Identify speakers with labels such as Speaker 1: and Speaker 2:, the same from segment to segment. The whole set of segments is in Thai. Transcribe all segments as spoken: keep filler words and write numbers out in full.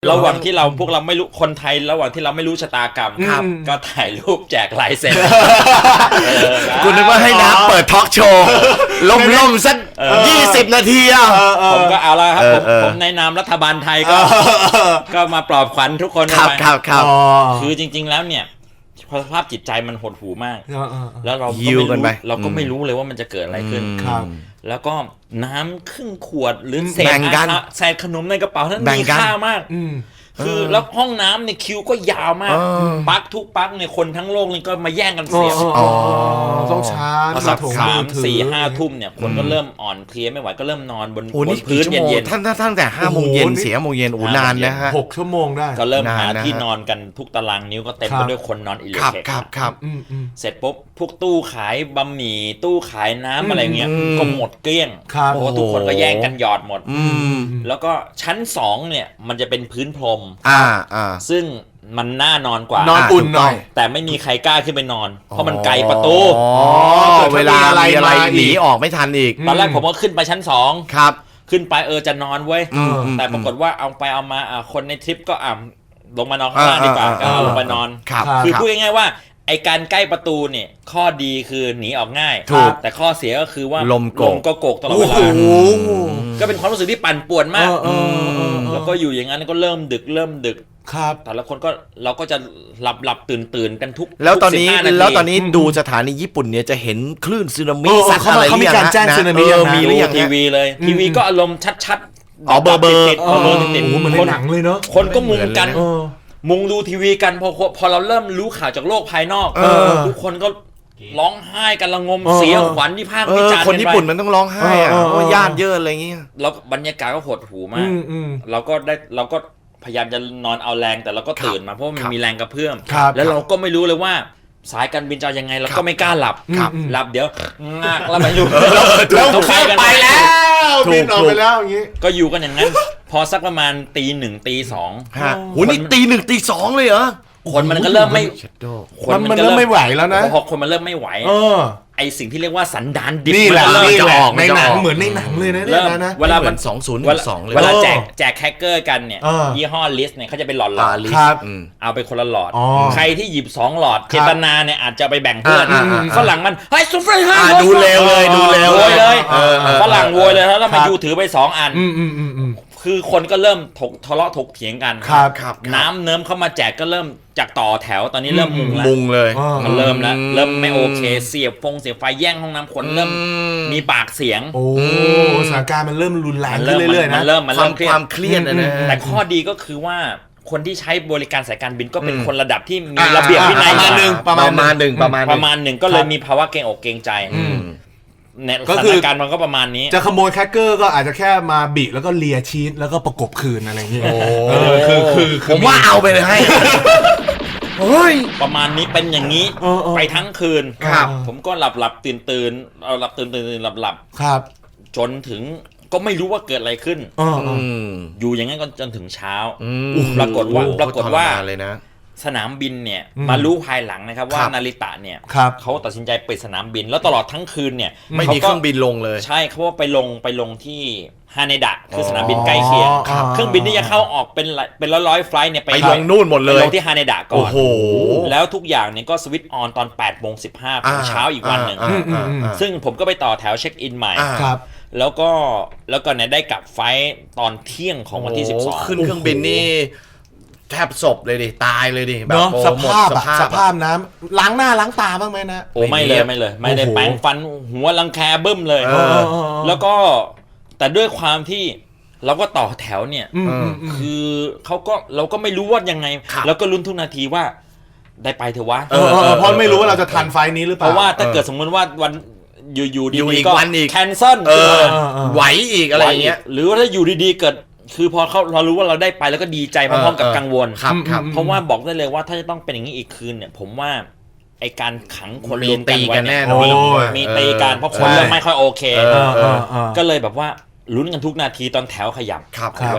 Speaker 1: ระหว่างที่เราพวกเราไม่รู้คนไทยระหว่างที่เราไม่รู้ชะตากรรมก็ถ่ายรูปแจกลายเซ็น
Speaker 2: กูนึกว่าให้น้ำเปิดทอล์กโชว์ล่มๆสักยี่สิบนาทีอ่ะ
Speaker 1: ผมก็เอาละครับผมผมในนามรัฐบาลไทยก็ก็มาปลอบขวัญทุกคน
Speaker 2: ครับครับครับ
Speaker 1: คือจริงๆแล้วเนี่ยสภาพจิตใจมันหดหู่มากแล้วเราก็ไม่รู้เราก็ไม่รู้เลยว่ามันจะเกิดอะไรขึ้นแล้วก็น้ำครึ่งขวดหรือเศษเศษขนมในกระเป๋านั้นมีค่ามากคือแล้วห้องน้ำเนี่ยคิวก็ยาวมากปักทุกปักเนี่ยคนทั้งโลกนี่ก็มาแย่งกันเสีย
Speaker 3: ต้องช้า
Speaker 1: สักสามสี่ห้าทุ่มเนี่ยคนก็เริ่มอ่อนเพลียไม่ไหวก็เริ่มนอนบนพื้นเย็น
Speaker 2: ๆท่านท่านแต่ห้าโมงเย็นเสียโมงเย็นโอ้นานนะฮะ
Speaker 3: หกชั่วโมงได้
Speaker 1: ก็เริ่มหาที่นอนกันทุกตารางนิ้วก็เต็มไปด้วยคนนอนอิเล็กทริก
Speaker 2: ครับครับ
Speaker 1: เสร็จปุ๊บพวกตู้ขายบะหมี่ตู้ขายน้ำอะไรเงี้ยก็หมดเกลี้ยงเพราะว่าทุกคนก็แย่งกันหยอดหมดแล้วก็ชั้นสองเนี่ยมันจะเป็นพื้นพรมซึ่งมันน่านอนกว่าน
Speaker 3: อนอุ่นหน่อย
Speaker 1: แต่ไม่มีใครกล้าขึ้นไปนอนเพราะมันไกลประตู
Speaker 2: เวลาอะไรอะไรหนีออกไม่ทันอีก
Speaker 1: ตอนแรกผมก็ขึ้นไปชั้นสอง
Speaker 2: ครับ
Speaker 1: ขึ้นไปเออจะนอนเว้ยแต่ปรากฏว่าเอาไปเอามาคนในทริปก็อ่ะลงมานอนข้างล่างดีกว่าก็ลงไปนอนคือพูดง่ายๆว่าไอการใกล้ประตูเนี่ยข้อดีคือหนีออกง่ายแต่ข้อเสียก็คือว่า
Speaker 2: ลม
Speaker 1: ก็โกกตลอดเวลาก็เป็นความรู้สึกที่ปั่นป่วนมากแล้วก็อยู่อย่างนั้นก็เริ่มดึกเริ่มดึก
Speaker 3: ครับ
Speaker 1: แต่ละคนก็เราก็จะหลับหลับตื่นตื่นกันทุก
Speaker 2: แล้วตอนนี้แล้วตอนนี้ดูสถานีญี่ปุ่นเนี่ยจะเห็นคลื่นสึนามิสักอะไร
Speaker 3: เขามีการแจ้งสึนามิ
Speaker 1: มีหรือยังทีวีเลยทีวีก็อารมณ์ชัด
Speaker 2: ๆอ๋อเบอร์เบอร์
Speaker 1: ติดเบอร์ติด
Speaker 3: เหมือนในหนังเลยเนาะ
Speaker 1: คนก็มุงกันมุงดูทีวีกันพอพอเราเริ่มรู้ข่าวจากโลกภายนอกทุกคนก็ร้องไห้กันระงมเสียขวัญที่ภาควิจารณ์
Speaker 2: คนญี่ปุ่นมันต้องร้องไห้อะเพราะญาติเยอะอะไรอย่างเงี้ย
Speaker 1: แล้วบรรยากาศก็หดหูมากเราก็ได้เราก็พยายามจะนอนเอาแรงแต่เราก็ตื่นมาเพราะมันมีแรงกระเพื่อมแล้วเราก็ไม่รู้เลยว่าสายการบินจะยังไงเราก็ไม่กล้าหลับหลับเดี๋ยวงากแล้วมาอยู่
Speaker 3: แล้วเข้าไปแล้วบินออกไปแล้วอย่างงี้
Speaker 1: ก็อยู่กันอย่างนั้นพอสักประมาณตีหนึ่งตีสอง
Speaker 2: โหนี่ตีหนึ่งตีสองเลยเหรอ
Speaker 1: คนมันก็เริ่มไม่
Speaker 3: คนมันเริ่มไม่ไหวแล้วนะ
Speaker 1: พอคนมันเริ่มไม่ไหวไอสิ่งที่เรียกว่าสันดานดิบ
Speaker 3: นี่แหละนี่จะออกในหนังเหมือนในหนังเลยนะเนี่ยนะ
Speaker 1: เวลามัน
Speaker 2: สองศูนย์สองเลย
Speaker 1: เวลาแจกแจกแคคเกอร์กันเนี่ยยี่ห้อลิสเนี่ยเขาจะเป็นหลอดหลอดเอาไปคนละหลอดใครที่หยิบสองหลอดเจตนาเนี่ยอาจจะไปแบ่งเพื่อนฝรั่งมันเฮ้ยซุปเปอร์
Speaker 2: ฮาดูเร็วเลยดูเร็ว
Speaker 1: เลยฝรั่งโวยเลยแล้วมายูถือไปสองอันคือคนก็เริ่มถกทะเลาะถกเถียงกันน้ำเนิ้มเข้ามาแจกก็เริ่มจากต่อแถวตอนนี้เริ่มมุงแล้ว
Speaker 2: มุงเลย
Speaker 1: มันเริ่มแล้วเริ่มไม่โอเคเสียบฟงเสียบไฟแย่งห้องน้ำคนเริ่มมีปากเสียง
Speaker 3: โอ้สถานการณ์มันเริ่มรุนแรงขึ้นเรื่อยๆนะ
Speaker 1: มันเริ่มมันเริ่ม
Speaker 2: ความเครียดนะ
Speaker 1: แต่ข้อดีก็คือว่าคนที่ใช้บริการสายการบินก็เป็นคนระดับที่มีระเบียบวินัย
Speaker 2: ประมาณหนึ่งประมาณหนึ่งประมาณ
Speaker 1: ประมาณหนึ่งก็เลยมีภาวะเกรงอกเกรงใจก็คือการมันก็ประมาณนี้
Speaker 3: จะขโมยแคคเกอร์ก็อาจจะแค่มาบิแล้วก็เลียชีสแล้วก็ประกบคืนอะไรอย่างเงี้ย
Speaker 2: คือคือผมว่าเอาไปเลยให้
Speaker 1: เฮ้ยประมาณนี้เป็นอย่างนี้ไปทั้งคืนผมก็หลับหลับตื่นตื่นเอาหลับตื่นตื่นหลับหลับ
Speaker 3: ครับ
Speaker 1: จนถึงก็ไม่รู้ว่าเกิดอะไรขึ้นอยู่อย่างนั้นก็จนถึงเช้าปรากฏว่าปรากฏว่า
Speaker 2: เลยนะ
Speaker 1: สนามบินเนี่ยมารู้ภายหลังนะครับว่านาริตะเนี่ยเขาตัดสินใจปิดสนามบินแล้วตลอดทั้งคืนเนี่ย
Speaker 2: ไม่มีเครื่องบินลงเลย
Speaker 1: ใช่เขาว่าไปลงไปลงที่ฮาเนดะคือสนามบินใกล้เคียงเครื่องบินที่จะเข้าออกเป็นเป็นร้อยร้อยไฟล์เนี่ย
Speaker 2: ไปลงนู่นหมดเลย
Speaker 1: ลงที่ฮาเนดะก่อนแล้วทุกอย่างเนี่ยก็สวิตช์ออนตอนแปดโมงสิบห้าของเช้าอีกวันหนึ่งซึ่งผมก็ไปต่อแถวเช็คอินใหม่แล้วก็แล้วก็เนี่ยได้กลับไฟล์ตอนเที่ยงของวันที่สิบสอง
Speaker 2: ขึ้นเครื่องบินนี่แทบศพเลยดิตายเลยดิ
Speaker 3: แบบสภาพสภาพน้ำล้างหน้าล้างตาบ้างไหมนะ
Speaker 1: โอ้ไม่เลยไม่เลยไม่ได้แปรงฟันหัวรังแคบึ้มเลยแล้วก็แต่ด้วยความที่เราก็ต่อแถวเนี่ยคือเขาก็เราก็ไม่รู้ว่ายังไงแล้วก็ลุ้นทุกนาทีว่าได้ไปเถอะวะ
Speaker 3: เพราะไม่รู้ว่าเราจะทันไฟนี้หรือเปล่า
Speaker 1: เพราะว่าถ้าเกิดสมมติว่าวันอยู่ๆดีๆก็แคนเซิล
Speaker 2: ไหวอีกอะไรอย่างเงี้ย
Speaker 1: หรือว่าถ้าอยู่ดีๆเกิดคือพอเขาเรารู้ว่าเราได้ไปแล้วก็ดีใจพร้อมๆกับกังวลเพราะว่าบอกได้เลยว่าถ้าจะต้องเป็นอย่างนี้อีกคืนเนี่ยผมว่าไอการขังคนรวมกันไว้เนี่ยมีตีกันเพราะคนเริ่มไม่ค่อยโอเคก็เลยแบบว่าลุ้นกันทุกนาทีตอนแถวขยับไว้คื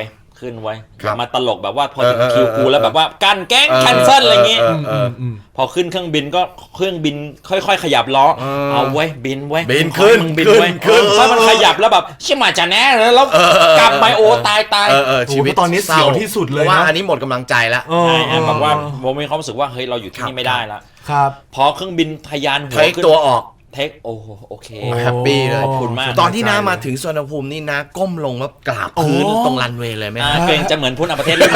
Speaker 1: ขึ้นไว้
Speaker 2: ครับ
Speaker 1: มาตลกแบบว่าพอถึง
Speaker 2: เออ
Speaker 1: คิวกู
Speaker 2: เออ
Speaker 1: แล้วแบบว่ากันแก๊ง
Speaker 2: เออ
Speaker 1: แคนเซิลอะไรอย่างงี้
Speaker 2: เออเออ
Speaker 1: พอขึ้นเครื่องบินก็เครื่องบินค่อยๆขยับล้อ
Speaker 2: เออ
Speaker 1: เอาไว้ยบินไว้ย
Speaker 2: บิน
Speaker 1: ขอให้
Speaker 2: ขึ้น
Speaker 1: มึงบิน
Speaker 2: ขึ้น
Speaker 1: ไว้ย
Speaker 2: ขึ้น
Speaker 1: ถ้ามันขยับแล้วแบบชิมาจะแน่แล้ว
Speaker 2: เออเออ
Speaker 1: กลับไปโอ้ตายตาย
Speaker 2: เออเออชีวิต
Speaker 3: โอ้โหตอนนี้เสียวที่สุดเลยนะ
Speaker 2: พราะว่าอันนี้หมดกำลังใจแล้ว
Speaker 1: ใช่ฮะแบบว่าผมมีความรู้สึกว่าเฮ้ยเราอยู่ที่นี่ไม่ได้ละ
Speaker 3: ครับ
Speaker 1: พอเครื่องบินทะยานหั
Speaker 2: เท
Speaker 1: ว
Speaker 2: ค
Speaker 1: ขึ้น
Speaker 2: ตัวออก
Speaker 1: เทคโอ้โหโอเค
Speaker 3: โอ้
Speaker 2: แฮปปี้เลย
Speaker 1: ขอบคุณมาก
Speaker 2: ตอนที่น้ามาถึงสุวรรณภูมินี่นะก้มลงแล้วกราบพื้น
Speaker 3: โอ้
Speaker 2: ตรงรันเวย์เลยไหม
Speaker 1: อ่า
Speaker 2: ฮะ
Speaker 1: เกรงจะเหมือนพุทธประเทศรุ่น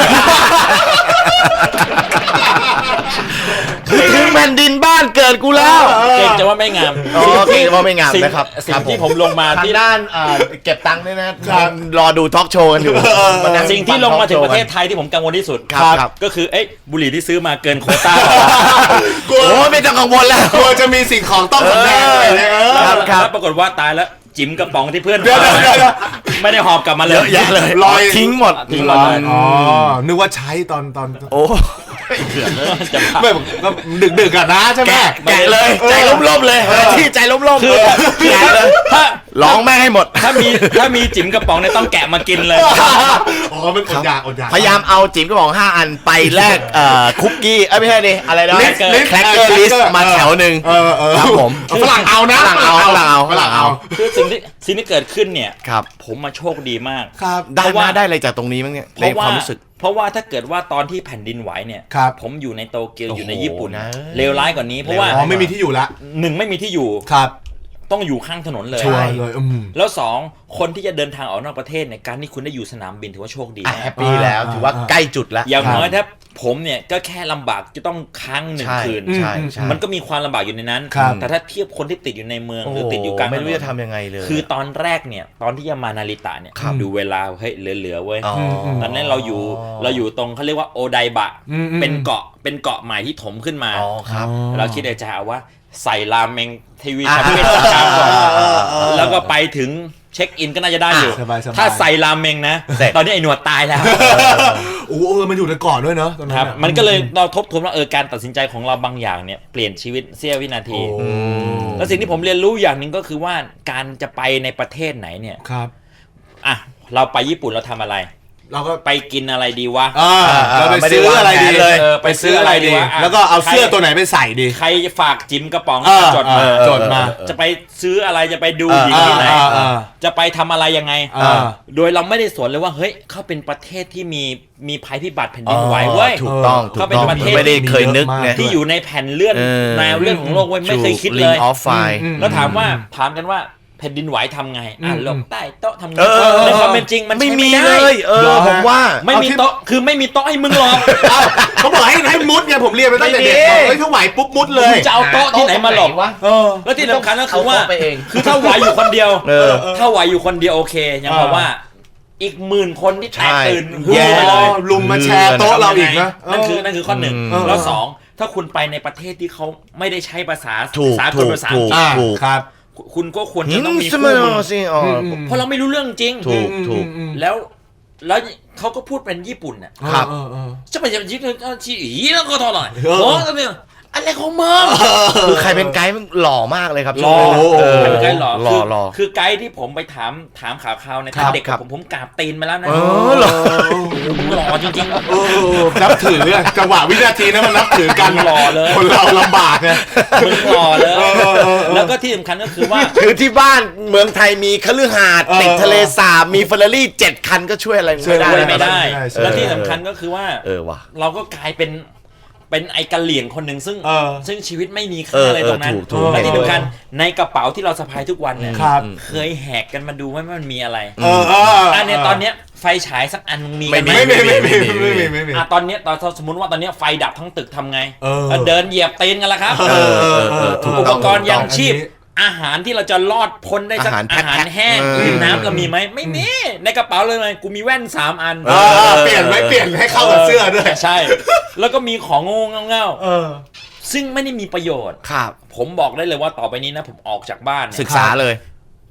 Speaker 2: ถึงแผ่นดินบ้านเกิดกูแล้ว
Speaker 1: เกรงจะว่าไม่งาม
Speaker 2: อ๋อเกรงจะว่าไม่งาม
Speaker 1: สิ่
Speaker 2: นะครับ
Speaker 1: สิ่
Speaker 2: ครั
Speaker 1: ง
Speaker 2: บ
Speaker 1: ที่
Speaker 2: ผม
Speaker 1: ผมลงมา
Speaker 2: ทาง
Speaker 1: ที่
Speaker 2: ด้านอ่าเก็บตังค์ด้วยนะรอดูทอล์กโชว์กันอยู่มานั่
Speaker 1: สิ่งที่ลงมาถึงประเทศ
Speaker 2: ฟั
Speaker 1: ไทยที่ผมกังวลที่สุด
Speaker 2: ครับครับ
Speaker 1: ก็คือเอ๊ะบุหรี่ที่ซื้อมาเกินโควต้า
Speaker 3: กลัว
Speaker 2: โอ้ไม่ต้องกังวลแล้ว
Speaker 3: กลัวจะมีสิ่งของต้องสำแดงอะไรเนี่ยเออ
Speaker 2: ครับครับ
Speaker 1: แล้วปรากฏว่าตายแล้วจิ๋มกระป๋องที่เพื่อน
Speaker 3: เดี๋ยวเดี๋ยวเดี๋ยวเดี๋ยว
Speaker 1: ไม่ได้หอบกลับมาเลย
Speaker 2: เยอะแยะเลย
Speaker 3: ลอย
Speaker 2: ทิ้งหมด
Speaker 1: ทิ้งหมดเลย
Speaker 3: อ๋อ นึกว่าใช้ตอนตอน
Speaker 2: โอ้
Speaker 1: จะพา
Speaker 3: ไม่ก็ดึกดึกๆอะนะใช่ไหม
Speaker 2: แกะแกะเลยใจล้มๆเลยที่ใจล้มๆ
Speaker 1: คือ
Speaker 2: แกะเลย
Speaker 1: ถ้า
Speaker 2: ร้องแม่งให้หมด
Speaker 1: ถ้ามีถ้ามีจิ๋มกระป๋องเนี่ยต้องแกะมากินเลย
Speaker 3: อ๋อมันอดอยากอดอยาก
Speaker 2: พยายามเอาจิ๋มกระป๋องห้าอันไปแลกเอ่อคุกกี้เอ้ยไม่ใช่ดิอะไรนะ
Speaker 3: ลิสต์ลิสต์
Speaker 2: แครกเกอร์ลิสต์มาแถวหนึ่ง
Speaker 3: เออเออ
Speaker 2: ครับผม
Speaker 3: ฝรั่งเอานะ
Speaker 2: ฝรั่งเอาฝรั่งเอาฝรั่งเอา
Speaker 1: คือสิ่งที่สิ่งที่เกิดขึ้นเนี่ย
Speaker 2: ครับ
Speaker 1: ผมมาโชคดีมาก
Speaker 3: ครับ
Speaker 2: ได้
Speaker 1: เพราะ
Speaker 2: มา
Speaker 1: ว่า
Speaker 2: ได้อะไรจากตรงนี้มั้งเนี่ย
Speaker 1: เพ
Speaker 2: ใน
Speaker 1: ราะ
Speaker 2: ค
Speaker 1: ว่าว
Speaker 2: ามรู้สึก
Speaker 1: เพราะว่าถ้าเกิดว่าตอนที่แผ่นดินไหวเนี่ย
Speaker 3: ครับ
Speaker 1: ผมอยู่ในโตเกียว
Speaker 2: โอ้โห
Speaker 1: อยู่ในญี่ปุ่น
Speaker 2: นะ
Speaker 1: เลวร้ายกว่านี้เพราะว่า
Speaker 3: อ๋อไม่มีที่อยู่ละ
Speaker 1: หนึ่งไม่มีที่อยู่
Speaker 3: ครับ
Speaker 1: ต้องอยู่ข้างถนนเลย
Speaker 3: ชัวร์เลยอืม
Speaker 1: แล้วสองคนที่จะเดินทางออกนอกประเทศเนี่ยการที่คุณได้อยู่สนามบินถือว่าโชคดี
Speaker 2: อ่ะ
Speaker 1: มา
Speaker 2: แฮ
Speaker 1: ก
Speaker 2: ปปี้แล้วถือว่าใกล้จุดแล้ว
Speaker 1: อย่างน้อย
Speaker 3: ครับ
Speaker 1: ถ้าผมเนี่ยก็แค่ลำบากจะต้องค้างหนึ่ง
Speaker 2: ใช่
Speaker 1: คืน
Speaker 2: ใช่ใช่
Speaker 1: มันก็มีความลำบากอยู่ในนั้น
Speaker 3: ครับ
Speaker 1: แต่ถ้าเทียบคนที่ติดอยู่ในเมือง
Speaker 2: โอ้
Speaker 1: ห
Speaker 2: โห
Speaker 1: รือติดอยู่กลางถนน
Speaker 2: ไม่รู้จะทำยังไงเลย
Speaker 1: คือตอนแรกเนี่ยตอนที่จะมานาริตะเนี่ย
Speaker 2: ครับ
Speaker 1: ดูเวลาเฮ้ยเหลือๆเว้ย
Speaker 2: อ๋อ
Speaker 1: ตอนนั้นเราอยู่เราอยู่ตรงเขาเรียกว่าโอไดบะ
Speaker 3: อืมอืม
Speaker 1: เป็นเกาะเป็นเกาะใหม่ที่ถมขึ้นมา
Speaker 2: อ๋อครับ
Speaker 1: เราคิดในใจเอาว่าใส่ราเมงทีวี
Speaker 2: อ่า
Speaker 1: คาเฟ่สักชามก่อน
Speaker 2: อ่าอ่า
Speaker 1: แล้วก็ไปถึงเช็คอินก็น่าจะได้อยู่
Speaker 3: สบายๆ
Speaker 1: ถ้าใส่ราเมงนะ
Speaker 2: เสร็จ
Speaker 1: ตอนนี้ไอ้หนวดตายแล้ว
Speaker 3: โอ้โหเออมันอยู่ในเกาะด้วยเนอะตอนนั้
Speaker 1: คน รับ
Speaker 3: อะ
Speaker 1: มันก็เลยเราทบทวนว่าเออการตัดสินใจของเราบางอย่างเนี่ยเปลี่ยนชีวิตเสี้ยววินาที
Speaker 3: โอ้
Speaker 1: แล้วสิ่งที่ผมเรียนรู้อย่างหนึ่งก็คือว่าการจะไปในประเทศไหนเนี่ย
Speaker 3: ครับ
Speaker 1: อ่ะเราไปญี่ปุ่นเราทำอะไร
Speaker 3: เราก็
Speaker 1: ไปกินอะไรดีวะ
Speaker 3: อ่าเราไปซื้ออะไรดี
Speaker 2: เลย
Speaker 1: เออไปซื้ออะไรดีวะะ
Speaker 3: แล้วก็เอาเสื้อ
Speaker 1: ใคร
Speaker 3: ตัวไหนไปใส่ดี
Speaker 1: ใครฝากจิมกระป๋อง
Speaker 3: เออ
Speaker 1: จดมา
Speaker 3: เออจดมา
Speaker 1: จะไปซื้ออะไรจะไปดู
Speaker 2: เออ
Speaker 1: หญิงที่ไหน
Speaker 3: อ่าอ่า
Speaker 1: จะไปทำอะไรยังไง
Speaker 3: อ่า
Speaker 1: โดยเราไม่ได้สนเลยว่าเฮ้ยเขาเป็นประเทศที่มีมีภัยพิบัติแผ่นดินไหวเว้ย
Speaker 2: ถูกต้อง
Speaker 1: เขา
Speaker 2: ถูก
Speaker 1: เป็น
Speaker 2: ต้อง
Speaker 1: ประเทศ
Speaker 2: ไม่ได้เคยนึกไง
Speaker 1: ที่อยู่ในแผ่นเลื่อน
Speaker 2: เออ
Speaker 1: แนวเลื่อนของโลกเว้ยไม่เคยคิดเลย
Speaker 2: Link of Fire
Speaker 3: อืม
Speaker 1: แล้วถามว่าถามกันว่าแผ่นดินไหวทำไงอ่ะ
Speaker 3: อืม
Speaker 1: หลบใต้โต๊ะทำไง
Speaker 2: เออ
Speaker 1: ในความเป็นจริงมัน
Speaker 2: ไม่
Speaker 1: ใช้
Speaker 2: มี
Speaker 1: ด้
Speaker 2: เลยเอ
Speaker 3: เหร
Speaker 2: อ
Speaker 3: อ
Speaker 2: ผมว่า
Speaker 1: ไม่มีโต๊ะคือไม่มีโต๊ะให้มึงหรอก
Speaker 3: เอ้าเขาบอกให้ให้มุดไงผมเรียนไปตั้งแต่เด็ก
Speaker 2: ไม่มี
Speaker 3: บอกเฮ้ยถ้าไหวปุ๊บมุดเลย
Speaker 1: มึงจะเอาโต๊ะที่ไหนมาหลบ
Speaker 2: วะ
Speaker 3: เออ
Speaker 1: แล้วที่สำคัญก็คือว่า
Speaker 2: เอาโต๊ะไปเอง
Speaker 1: คือถ้าไหวอยู่คนเดียว
Speaker 2: เออ
Speaker 1: ถ้าไหวอยู่คนเดียวโอเค ยังบอกว่า อีกหมื่นคนที่แตกตื่น
Speaker 2: ใช่
Speaker 1: ฮือ
Speaker 3: แย่
Speaker 1: ไปเลย
Speaker 3: ลุมมาแชร์โต๊ะเราอีกนะ
Speaker 1: นั่นคือนั่นคือข้อหนึ่ง
Speaker 2: เออ
Speaker 1: แล้วสองถ้าคุณไปในประเทศที่เขาไม่ได้ใช้ภาษา
Speaker 2: ถูก
Speaker 1: สากล
Speaker 2: ถูก
Speaker 1: ภาษาอังกฤษ
Speaker 3: อ่า
Speaker 2: ถูก
Speaker 3: ครับ
Speaker 1: คุณก็ควร
Speaker 2: หิ
Speaker 1: จะ
Speaker 2: น
Speaker 1: ต้องมี
Speaker 2: ส
Speaker 1: คู่
Speaker 2: มั
Speaker 1: มือ
Speaker 2: สิอ๋ออ
Speaker 3: ม
Speaker 1: เพราะเราไม่รู้เรื่องจริง
Speaker 2: ถูกถูก
Speaker 3: อืม
Speaker 1: แล้วแล้วเขาก็พูดเป็นญี่ปุ่นน่ะ
Speaker 2: ครับ
Speaker 3: เออเออ
Speaker 1: จะไปจะยิงชี้อีแล้วก็ทอหน่อย
Speaker 3: เออ
Speaker 1: โอ้ก็เนี่ยอะไรของมึง
Speaker 2: คือใครเป็นไกด์มันหล่อมากเลยครับ
Speaker 1: รอ
Speaker 2: ช่วงนั้น
Speaker 3: โอ้โห
Speaker 2: เออ
Speaker 1: ใครเป็นไกด์หรอ
Speaker 2: หล่อ
Speaker 1: คือ
Speaker 2: หล่อ
Speaker 1: คือไกด์ที่ผมไปถามถามข่าวข่าวใน
Speaker 3: ครั
Speaker 1: ตอน
Speaker 3: บ
Speaker 1: เด็ก
Speaker 2: ครั
Speaker 1: กับบ ผมผมกราบตีนมาแล้วนะ
Speaker 2: เออเหรอ
Speaker 1: มึงหล่อจริงๆ
Speaker 3: เออนับถืออะจังหวะวินาทีนั้นมันนับถือกัน
Speaker 1: หล่อเลย
Speaker 3: คนเราลำบากไง
Speaker 1: มึงหล่อเลย
Speaker 3: เออเออเออ
Speaker 1: แล้วก็ที่สำคัญก็คือว่า
Speaker 2: คือที่บ้านเมืองไทยมีคฤหาสน์
Speaker 3: เออ
Speaker 2: ติดทะเลสาบมีเฟอร์รารี่เจ็ดคันก็ช่วยอะไร
Speaker 3: ช่วย
Speaker 2: ไม่ได้
Speaker 1: ช่วยไม่ได้
Speaker 3: ใช่ใช่
Speaker 1: แล้วที่สำคัญก็คือว่า
Speaker 2: เออว่ะ
Speaker 1: เราก็กลายเป็นเป็นไอ้กะเหลี่ยงคนหนึ่งซึ่ง
Speaker 3: เออ
Speaker 1: ซึ่งชีวิตไม่มี
Speaker 2: เอ
Speaker 1: ค่า
Speaker 2: อ
Speaker 1: อะไรตรงนั้น
Speaker 2: เออถูกถูก
Speaker 1: และที่สำคัญในกระเป๋าที่เราสะพายทุกวันเนี่ย
Speaker 3: ครับ
Speaker 1: เคยแหกกันมาดูไหมว่ามันมีอะไร
Speaker 3: เออเออ
Speaker 1: อันเนี้ยตอนเนี้ยไฟฉายสักอันมึงมีกันไหม
Speaker 3: ไม่มีไม่มีไม่มีไม่มี
Speaker 1: อ่ะตอนเนี้ยตอนสมมติว่าตอนเนี้ยไฟดับทั้งตึกทำไง
Speaker 3: เออ
Speaker 1: แล้วเดินเหยียบตีนกันแล้วครับ
Speaker 2: เออเออเออถูก
Speaker 1: อุ
Speaker 2: ต้
Speaker 1: ป
Speaker 2: อง
Speaker 1: กรณ์ยังชีพ
Speaker 3: อันนี้
Speaker 1: อาหารที่เราจะรอดพ้นได้สัก
Speaker 2: อาหารแพ็
Speaker 1: อา
Speaker 2: ค
Speaker 1: หารแห้ง
Speaker 2: เออ
Speaker 1: หรือน้ำเรามีไหมไม่มีในกระเป๋าเลยไงกูมีแว่นสามอัน
Speaker 3: เออเปลี่ยนไว้เปลี่ยนให้เข้ากับเสื้อด้วย
Speaker 1: ใช่ แล้วก็มีของงงเง่า
Speaker 3: เออ
Speaker 1: ๆซึ่งไม่ได้มีประโยชน์
Speaker 2: ครับ
Speaker 1: ผมบอกได้เลยว่าต่อไปนี้นะผมออกจากบ้าน
Speaker 2: ศึ
Speaker 1: เนี่ย
Speaker 2: กษาเลย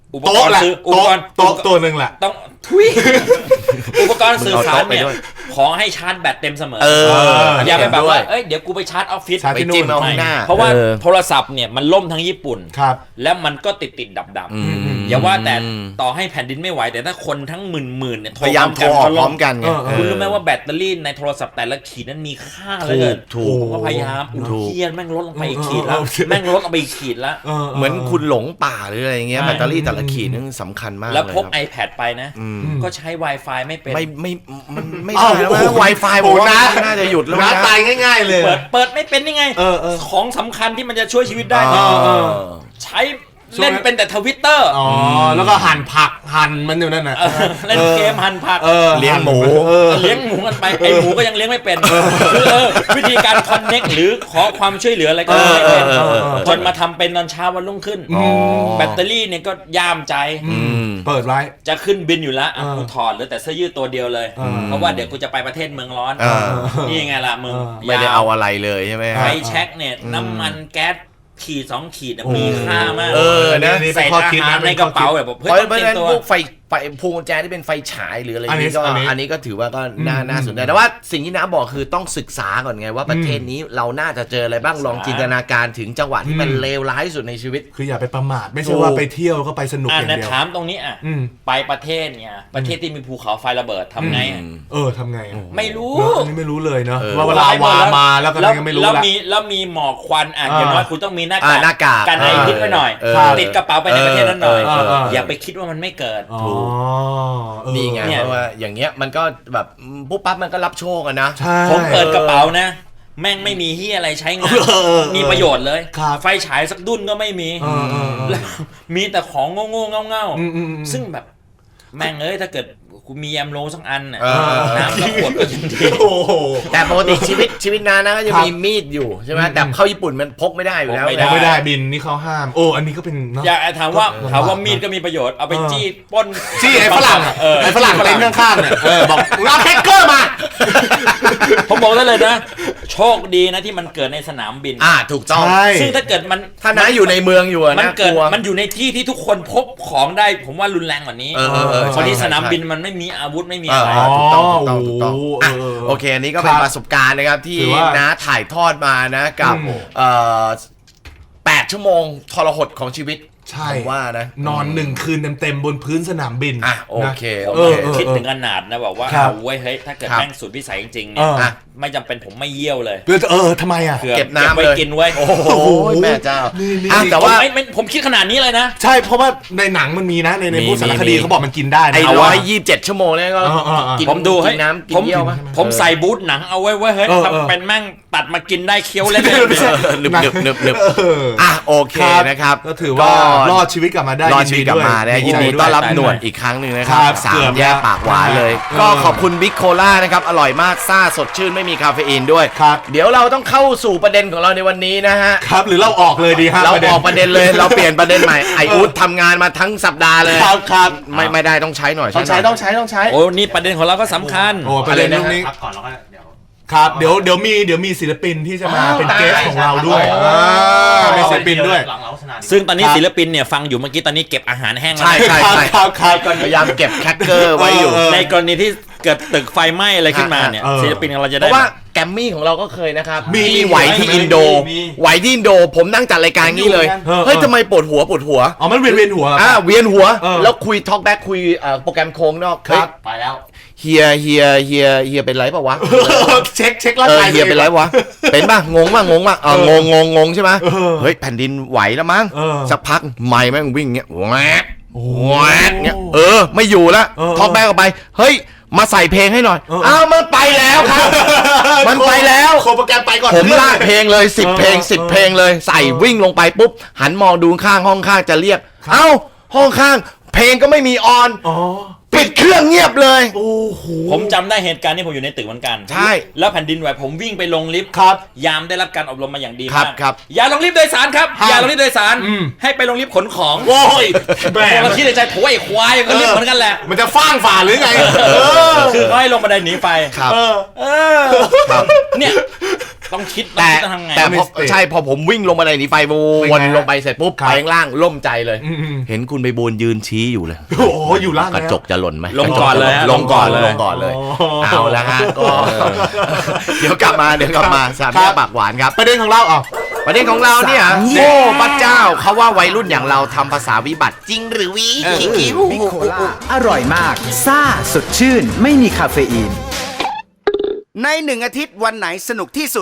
Speaker 1: อุปก
Speaker 3: โต๊ะ
Speaker 1: รณ์
Speaker 3: แหละ
Speaker 1: ซื้ออุป
Speaker 3: โต๊ะ
Speaker 1: กรณ์
Speaker 3: โต๊ะตัวหนึ่งแหละ
Speaker 1: ต้องทุย อุปกรณ์สื่อสารเนี่ย
Speaker 2: มึงเอาโต๊ะไปด้วย
Speaker 1: ขอให้ชาร์จแบตเต็มเสมอ
Speaker 2: เออ
Speaker 1: อย่าไปแบบว่า
Speaker 2: เห็นด้วย
Speaker 1: เอ้ยเดี๋ยวกูไปชาร์จออฟฟิศ
Speaker 3: ชาร์จ
Speaker 2: ไป
Speaker 3: ที่นู่น
Speaker 2: จิ้มเอาข้างหน้า
Speaker 1: เพราะว่า
Speaker 2: ออ
Speaker 1: โทรศัพท์เนี่ยมันล่มทั้งญี่ปุ่น
Speaker 3: ครับ
Speaker 1: แล้วมันก็ติดติดดับดับๆ
Speaker 2: อืม
Speaker 1: อย่าว่าแต่ต่อให้แผ่นดินไม่ไหวแต่ถ้าคนทั้งหมื่นหมื่นๆเนี่ย
Speaker 2: พยายามโทรออกพร้อมกันไง
Speaker 3: เออเออ
Speaker 1: คุณรู้ไหมว่าแบตเตอรี่ในโทรศัพท์แต่ละขีดนั้นมีค่าเหลย
Speaker 2: ถูก
Speaker 1: ผมก็พยายาม
Speaker 2: ถู
Speaker 1: อุ้
Speaker 2: ก
Speaker 1: ยเฮียแม่งลดลงไปอีกขีด
Speaker 3: เอ
Speaker 1: แล้ว
Speaker 3: อเออ
Speaker 1: แม่งลดลงไปอีกขีดแล้ว
Speaker 2: เหมือนคุณหลงป่าหรืออะไรอย่างเงี้ย
Speaker 1: ใช่
Speaker 2: แบตเตอรี่แต่ละขีดนึงสำคัญมาก
Speaker 1: แล้ว
Speaker 2: เลย
Speaker 1: พก
Speaker 2: ครับ
Speaker 1: iPad ไปนะ
Speaker 2: อืม
Speaker 1: ก็ใช้ Wi-Fi ไม่เป็น
Speaker 2: ไม่ไม่มันไม่
Speaker 3: อ้าว
Speaker 2: ได้แล้ว
Speaker 3: โอ้โห
Speaker 2: ไวไฟผมว่า
Speaker 3: โอ้นะ
Speaker 2: น่าจะหยุดแล้ว
Speaker 3: น้า
Speaker 2: นะ
Speaker 3: ตายง่ายๆเลย
Speaker 1: เปิดเปิดไม่เป็นนี่ไง
Speaker 3: เออเออ
Speaker 1: ของสำคัญที่มันจะช่วยชีวิตได้เนี่ย
Speaker 3: เออเออ
Speaker 1: ใช้เล่นเป็นแต่ทวิตเตอร์
Speaker 3: อ๋อแล้วก็หั่นผักหั่นมันอยู่นั่นน่ะ
Speaker 1: เล่นเกมหั่นผัก
Speaker 3: เออ
Speaker 2: เลี้ยงหมู
Speaker 3: เออ
Speaker 1: เลี้ยงหมูกันไปไอหมูก็ยังเลี้ยงไม่เป็นคือเออวิธีการคอนเน็กหรือขอความช่วยเหลืออะไรก็ไม่เป็น
Speaker 2: เออเออเออ
Speaker 1: จนมาทำเป็นตอนเช้าวันรุ่งขึ้น
Speaker 2: อ๋อ
Speaker 1: แบตเตอรี่เนี่ยก็ย่ามใจ
Speaker 2: อืม
Speaker 3: เปิดไว้
Speaker 1: จะขึ้นบินอยู่แล้วอ่ะ
Speaker 3: เออ
Speaker 1: กูถอดเหลือแต่เสื้อยืดตัวเดียวเลย
Speaker 3: เออ
Speaker 1: เพราะว่าเดี๋ยวกูจะไปประเทศเมืองร้อน
Speaker 2: เออ
Speaker 1: นี่ไงล่ะมึง
Speaker 3: เออ
Speaker 2: ไม่ได้เอาอะไรเลยใช่ไหม
Speaker 1: ไฟ
Speaker 2: ฮะ
Speaker 1: แช็กเนี่ยน้ำมันแก๊สขีดสองขีดน่ะมีค่ามาก
Speaker 2: เออนะ
Speaker 3: นี่
Speaker 1: ใส่
Speaker 3: เป็นข้อ
Speaker 1: อา
Speaker 3: คิด
Speaker 1: หาร
Speaker 3: นะ
Speaker 1: ใน
Speaker 3: เป็น
Speaker 1: ก
Speaker 3: ข้อ
Speaker 1: ระเป๋า
Speaker 3: คิด
Speaker 1: แบบ
Speaker 2: เพ
Speaker 1: เฮ้ย
Speaker 2: ราะ
Speaker 1: ต้อง
Speaker 2: เพราะ
Speaker 1: เตรี
Speaker 2: ฉะ
Speaker 1: ย
Speaker 2: นั้
Speaker 1: ม
Speaker 2: น
Speaker 1: ตัว
Speaker 2: พวกไฟไฟพวงกุญแจที่เป็นไฟฉายหรืออะไร
Speaker 3: อันนี้
Speaker 2: นี้ก็
Speaker 3: อันนี้
Speaker 2: อันนี้ก็ถือว่าก็น่าน่าสนใจแต่ว่าสิ่งที่น้าบอกคือต้องศึกษาก่อนไงว่าประเทศนี้เราน่าจะเจออะไรบ้างลองจินตนาการถึงจังหวะที่มัน
Speaker 3: อืม
Speaker 2: เลวร้ายที่สุดในชีวิต
Speaker 3: คืออย่าไปประมาทไม่ใช่ว่าไปเที่ยวก็ไปสนุกอ
Speaker 1: อ่ะ
Speaker 3: ย่าง
Speaker 1: นะ
Speaker 3: เดียว
Speaker 1: ถามตรงนี้อ่ะ
Speaker 3: อืม
Speaker 1: ไปประเทศเนี่ยประเทศที่มีภูเขาไฟระเบิดทำไงอ่ะ
Speaker 3: เออทำไงอะ
Speaker 1: ไม่รู้
Speaker 3: เนอะอันนี้ไม่รู้เลยเนาะ
Speaker 2: เออ
Speaker 3: ว่าเวลาวามาแล้วก็ยังไม่รู้
Speaker 1: แล้ว
Speaker 3: ละ
Speaker 1: มีแล้วมีหมอกควันอ่ะ
Speaker 3: อ่า
Speaker 1: อย่างน้อยคุณต้องมีหน้า
Speaker 2: อ่าก
Speaker 1: าก
Speaker 2: หน้ากาก
Speaker 1: กันไอพิษไว้หน่อย
Speaker 2: เออ
Speaker 1: ติดกระเป๋าไปในประเทศนั้นหน่อย
Speaker 3: เออเออเออ
Speaker 1: อย่าไปคิดว่ามันไม่เกิด
Speaker 3: อ๋อเออ
Speaker 2: นี่ไง
Speaker 1: เนี่ย
Speaker 2: เพราะว่าอย่างเงี้ยมันก็แบบปุ๊บปั๊บมันก็รับโชคอะนะ
Speaker 3: ใช่
Speaker 1: ผมเปิดกระเป๋านะ แม่งไม่มีเฮียอะไรใช้งาน
Speaker 3: เออเออ
Speaker 1: มีประโยชน์เลย
Speaker 3: ครับ
Speaker 1: ไฟฉายสักดุ้นก็ไม่มี
Speaker 3: เออเออเออ
Speaker 1: แล้วมีแต่ของโง่ๆเง่า
Speaker 3: อืมอืมอืม
Speaker 1: ๆซึ่งแบบแม่งเอ้ยถ้าเกิดกูมีแอมโลสักอันน่ะ
Speaker 2: เออ
Speaker 1: น้ำละขวดก็ยังดี
Speaker 3: โอ้โห
Speaker 2: แต่ปกติชีวิตชีวิตนานะก็จะ
Speaker 3: ครับ
Speaker 2: มีมีดอยู่ใช่ไหม
Speaker 3: อืม
Speaker 2: แต่เข้าญี่ปุ่นมันพกไม่ได้อยู่แล้ว
Speaker 1: พกไม่
Speaker 3: ยัง
Speaker 1: ด้
Speaker 3: ไม่ได้บินนี่เขาห้าม โอ้อันนี้ก็เป็นเนาะ
Speaker 1: อย่าถามว่า
Speaker 3: ก็
Speaker 1: ถามว่า
Speaker 3: ลำบาก
Speaker 1: มีดก็มีประโยชน์เอาไป
Speaker 3: เออ
Speaker 1: จี้ปล้น
Speaker 3: ที่ไอ้ฝรั่งอะ
Speaker 1: เออ
Speaker 3: ไอ้ฝรั่งเต็นข้างๆเนี่ยเออบอกรับแฮกเกอร์มา
Speaker 1: ผมบอกได้เลยนะ โชคดีนะที่มันเกิดในสนามบิน
Speaker 2: อ่าถูกต้อง
Speaker 3: ใช่
Speaker 1: ซึ่งถ้าเกิดมัน
Speaker 2: ถ้าน้าอยู่ในเมืองอยู่อะ
Speaker 1: มัน
Speaker 2: นะก
Speaker 1: เกิด
Speaker 2: ลัว
Speaker 1: มันอยู่ในที่ที่ทุกคนพกของได้ ผมว่ารุนแรงกว่านี้
Speaker 2: เออเออเออ
Speaker 1: เพราะที่
Speaker 2: ใช่
Speaker 1: สนาม
Speaker 2: ใช่
Speaker 1: บินมันไม่มีอาวุธไม่มี
Speaker 2: เออ
Speaker 1: อะไร
Speaker 2: เออถูกต้องถูกต้องถูกต้อง
Speaker 3: โอ้โห
Speaker 2: อ่ะ
Speaker 3: เออ
Speaker 2: โอเคอันนี้ก็เป็น
Speaker 3: ครับ
Speaker 2: ประสบการณ์นะครับที่
Speaker 3: ถือว่า
Speaker 2: น้าถ่ายทอดมานะกับ
Speaker 3: อืม
Speaker 2: เอ่อแปดชั่วโมงทรหดของชีวิต
Speaker 3: ใช่
Speaker 2: ผมว่านะ
Speaker 3: นอนหนึ่งคืนเต็มๆบนพื้นสนามบิน
Speaker 2: อ่ะโอเค
Speaker 3: นะ
Speaker 2: โอ
Speaker 3: เอ
Speaker 2: เค
Speaker 3: อเออ
Speaker 1: คิดถึงขนาดนะบอกว่า
Speaker 3: ครับ
Speaker 1: เอาไว้ยเฮ้ยถ้าเกิด
Speaker 2: ครับ
Speaker 1: แม่งสุดวิสัยจริงๆ
Speaker 3: เอ
Speaker 1: เนี่ย
Speaker 3: อ
Speaker 1: ไม่จำเป็นผมไม่เยี่ยวเลย
Speaker 3: เออเออทำไมอ่ะ
Speaker 1: เผื่อ
Speaker 2: เก็บน้ำ
Speaker 1: ไว้
Speaker 2: เลย
Speaker 1: กินไว้
Speaker 2: โอ้โหแม่เจ้า
Speaker 3: นี่นี่
Speaker 2: อ่ะแต่ว่า
Speaker 1: ผมไม่ไม่ผมคิดขนาดนี้เลยนะ
Speaker 3: ใช่เพราะว่าในหนังมันมีนะในใน
Speaker 2: มี
Speaker 3: พวกสารค
Speaker 2: มี
Speaker 3: ดี
Speaker 2: มี
Speaker 3: เขาบอกมันกินได้นะ
Speaker 2: ไอ้
Speaker 3: เอา
Speaker 2: ร้อ
Speaker 3: ว่าย
Speaker 2: ยี่สิบเจ็ดชั่วโมงเนี่ยก็
Speaker 3: เออเออเออ
Speaker 2: กิน
Speaker 1: ผมดู
Speaker 2: กิ
Speaker 1: ให้
Speaker 2: นน้ำกิน
Speaker 1: ผม
Speaker 2: เยี่ยวมั้ย
Speaker 1: ผมใส่บูทหนังเอาไว้ไว้เฮ้ย
Speaker 3: เออเออ
Speaker 1: ทำเป็นแม่งตัดมากินได้เคี้ยวเล่น
Speaker 3: ไม่ใช่
Speaker 2: หนึบหนึบหนึบหนึบ
Speaker 3: เออ
Speaker 2: อ่ะโอเคนะครับ
Speaker 3: ก็ถือว่ารอดชีวิตกลับมาได้
Speaker 2: รอดชีวิตกลับมานะยินดีต้อนรับ
Speaker 1: ด้วย
Speaker 2: หนวดอีกครั้งหนึ่งนะค
Speaker 3: ค
Speaker 2: รั
Speaker 3: รั
Speaker 2: บบ สา
Speaker 3: เกื
Speaker 2: ม
Speaker 3: อบ
Speaker 2: แยก
Speaker 3: แล้ว
Speaker 2: ปากหวานเลย
Speaker 3: เออ
Speaker 2: ก็ขอบคุณบิ๊กโคล่านะครับอร่อยมากซ่าสดชื่นไม่มีคาเฟอีนด้วย
Speaker 3: ครับ
Speaker 2: เดี๋ยวเราต้องเข้าสู่ประเด็นของเราในวันนี้นะฮะ
Speaker 3: ครับหรือเราออกเลยดีฮะ
Speaker 2: เรา
Speaker 3: ประด็น
Speaker 2: ออกประเด็นเลย เราเปลี่ยนประเด็นใหม่ไออู๊ดทำงานมาทั้งสัปดาห์เลย
Speaker 3: ครับครับ
Speaker 2: ไม่ไม่ได้ต้องใช้หน่อย
Speaker 3: ต้องใช้
Speaker 2: หน่ย
Speaker 3: ต้องใช้ต้องใช้
Speaker 1: โอ้นี่ประเด็นของเราก็สำคัญ
Speaker 3: โอ้ประเด็น
Speaker 2: อะไรนะ
Speaker 3: เรื่องนี้
Speaker 4: พักก่อนแล้วก็เดี๋ยว
Speaker 3: ครับเดี๋ยวเดี๋ยวมีเดี๋ยวมีศิลปินที่จะมา
Speaker 2: อ้าว
Speaker 3: เป็นเกส
Speaker 2: ได้
Speaker 3: ของเราด้วย
Speaker 2: ใช่
Speaker 3: อ่ามีศิลปินด้วย
Speaker 4: หลังเราชนะ
Speaker 1: ซึ่งตอนนี้
Speaker 3: ครับ
Speaker 1: ศิลปินเนี่ยฟังอยู่เมื่อกี้ตอนนี้เก็บอาหารแห้งแล้ว
Speaker 2: ใช่ใช่
Speaker 3: ครับ
Speaker 2: ใช่
Speaker 3: ครับครับ
Speaker 2: พยายามเก็บแคคเกอร์ไว้อยู่
Speaker 3: เออ
Speaker 1: ในกรณีที่เกิดตึกไฟไหม้อะไรขึ้นมาเนี่ย
Speaker 3: เออ
Speaker 1: ศิลปินของเราจะ
Speaker 2: เพ
Speaker 1: ได้
Speaker 2: ราะว่าแกรมมี่ของเราก็เคยนะครับ
Speaker 3: มี
Speaker 2: ที่ไหวที่
Speaker 3: มี
Speaker 2: อินโด
Speaker 4: มี
Speaker 2: ไหวที่อินโด ผมนั่งจัดรายการงี้เลย
Speaker 3: เออ
Speaker 2: เฮ้ยทำไมปวดหัวปวดหัว
Speaker 3: อ๋อมันเวียนเวียนหัวเหรอ
Speaker 2: อ่าเวียนหัว
Speaker 3: เออ
Speaker 2: แล้วคุยทอล์กแบ็กคุยเอ่อโปรแกรมโค้งนอก
Speaker 3: ครับ
Speaker 4: ไปแล้ว
Speaker 2: เฮียเฮียเฮียเฮียเป็นไรเปล่าวะ
Speaker 3: เช็คเช็คร่าง
Speaker 2: เออก
Speaker 3: าย
Speaker 2: เฮียเป็นไรวะ เป็นป่ะ งงป่ะ งงป่ะเอองงงงงงใช่ไหม
Speaker 3: เออ
Speaker 2: เฮ้ย แผ่นดินไหวแล้วมั้ง
Speaker 3: เออ
Speaker 2: สักพักไม่แม่งวิ่งเงี้ยแหวก
Speaker 3: โอ้
Speaker 2: แหวกเงี้ย เออ ไม่อยู่แล้ว
Speaker 3: เออ
Speaker 2: ท็อปแบ็กออกไป เฮ้ย มาใส่เพลงให้หน่อย
Speaker 3: เออ
Speaker 2: อ้าว มันไปแล้วครับ มันไปแล้ว
Speaker 3: โคโปรแกรมไปก่อน
Speaker 2: ผมลากเพลงเลยสิบ
Speaker 3: เออ
Speaker 2: เพลงสิบ
Speaker 3: เออ
Speaker 2: เพลงเลย ใส่
Speaker 3: เออ
Speaker 2: วิ่งลงไปปุ๊บ หันมองดูข้างห้องข้างจะเรียก เอ้า ห้องข้าง เพลงก็ไม่มีออน
Speaker 3: อ๋อ
Speaker 2: ปิดเครื่องเงียบเลย
Speaker 3: โอ้โห
Speaker 1: ผมจำได้เหตุการณ์ที่ผมอยู่ในตึกเหมือนกัน
Speaker 2: ใช่
Speaker 1: แล้วแผ่นดินไหวผมวิ่งไปลงลิฟต์
Speaker 3: ครับ
Speaker 1: ยามได้รับการอบรมมาอย่างดี
Speaker 2: ครับ
Speaker 1: มาก
Speaker 2: ครับ
Speaker 1: อย่าลงลิฟต์โดยสารครับ
Speaker 3: ห้าม
Speaker 1: อย่าลงลิฟต์โดยสาร
Speaker 3: อืม
Speaker 1: ให้ไปลงลิฟต์ขนของ
Speaker 3: โอ้ยแหม
Speaker 1: ผมก็คิดในใจโถ่ไอ้ควายก็ลิฟต์เหมือนกันแหละ
Speaker 3: มันจะฟ้างฝ่าหรือไง เออ
Speaker 1: คือเขาให้ลงบันไดหนีไฟ
Speaker 2: ครับ
Speaker 3: เออ
Speaker 1: เออ
Speaker 2: ครับ
Speaker 1: เนี่ยต้องคิด
Speaker 2: แต่
Speaker 1: ต้องทำไง
Speaker 2: แต่พอ
Speaker 3: มีสติ
Speaker 2: ใช่พอผมวิ่งลงมาในหนีไฟวนลงไปเสร็จปุ๊บ
Speaker 3: ครับ
Speaker 2: ไปข้างล่างล่มใจเลย
Speaker 3: อืม
Speaker 2: เห็นคุณไปบูนยืนชี้อยู่เลย
Speaker 3: โอ้โหอยู่ล่าง
Speaker 2: ก
Speaker 3: แล้ว
Speaker 2: ระจกจะหล่นไหม
Speaker 1: ลงก่อนเลยฮะ
Speaker 2: ลงก่อน
Speaker 1: ล
Speaker 2: ล
Speaker 1: ง
Speaker 2: ง
Speaker 1: ก่
Speaker 2: ก่
Speaker 1: อ
Speaker 2: อน น
Speaker 1: เล
Speaker 2: เลย ยเอาละฮะก็เดี๋ยวกลับมาเดี๋ยวกลับมาสามแยกปากหวานครับ
Speaker 3: ประเด็นของเราอ่ะ
Speaker 2: ประเด็นของเราเนี่ยโอ้พระเจ้าเขาว่าวัยรุ่นอย่างเราทำภาษาวิบัติจริงหรือวิคิว
Speaker 4: โคล่าอร่อยมาก ซ่า สดชื่น ไม่มีคาเฟอีน
Speaker 5: ในหนึ่งอาทิตย์วันไหนสนุกที่สุด